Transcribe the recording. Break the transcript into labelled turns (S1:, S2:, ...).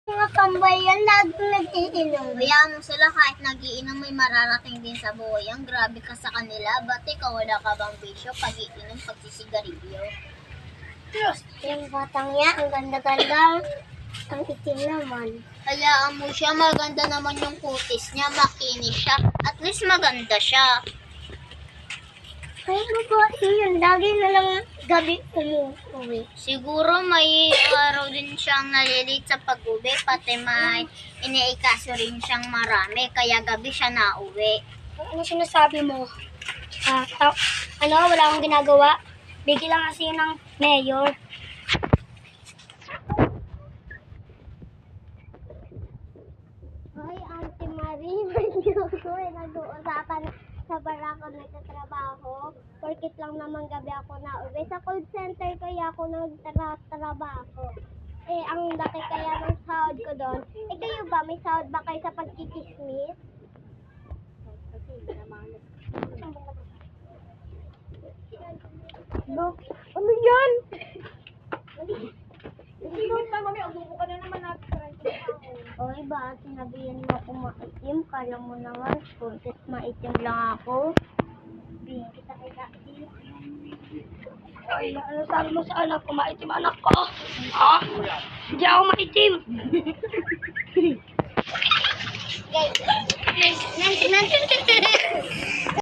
S1: Mga tambay yan, lagi nag-iinom. Hayaan mo sila kahit nag-iinom may mararating din sa buhay. Ang grabe ka sa kanila. Ba't ikaw wala ka bang bisyo? Pag-iinom, pagsisigarilyo. Diyos, yung batang yan, ang ganda-ganda. Ang itim naman. Hayaan mo siya, maganda naman yung kutis niya, makinis siya. At least maganda siya. Ay, babae yun. Lagi na lang gabi umuwi. Siguro may araw din siyang nalilate sa pag-uwi, pati may iniikaso rin siyang marami, kaya gabi siya nauwi. Ano sinasabi mo? Wala akong ginagawa. Bigil lang kasi yun ng mayor. Ay, Auntie Marie, hindi ako nag-uusapan sa barako nagtatrabaho. Porkit lang naman gabi ako nauwi. Sa call center kaya ako nagtatrabaho. Eh, ang laki kaya ng sahod ko doon. Eh, kayo ba? May sahod ba kayo sa pagkikismis? Ano yan? Oy, ba? Sinabihan mo ako maitim. Kala mo naman, porkit maitim lang ako. Bigyan kita kay Daddy.
S2: Ay, ano sabi mo sa anak ko? Maitim anak ko? Ha? Hindi ako maitim.
S1: Guys, nanti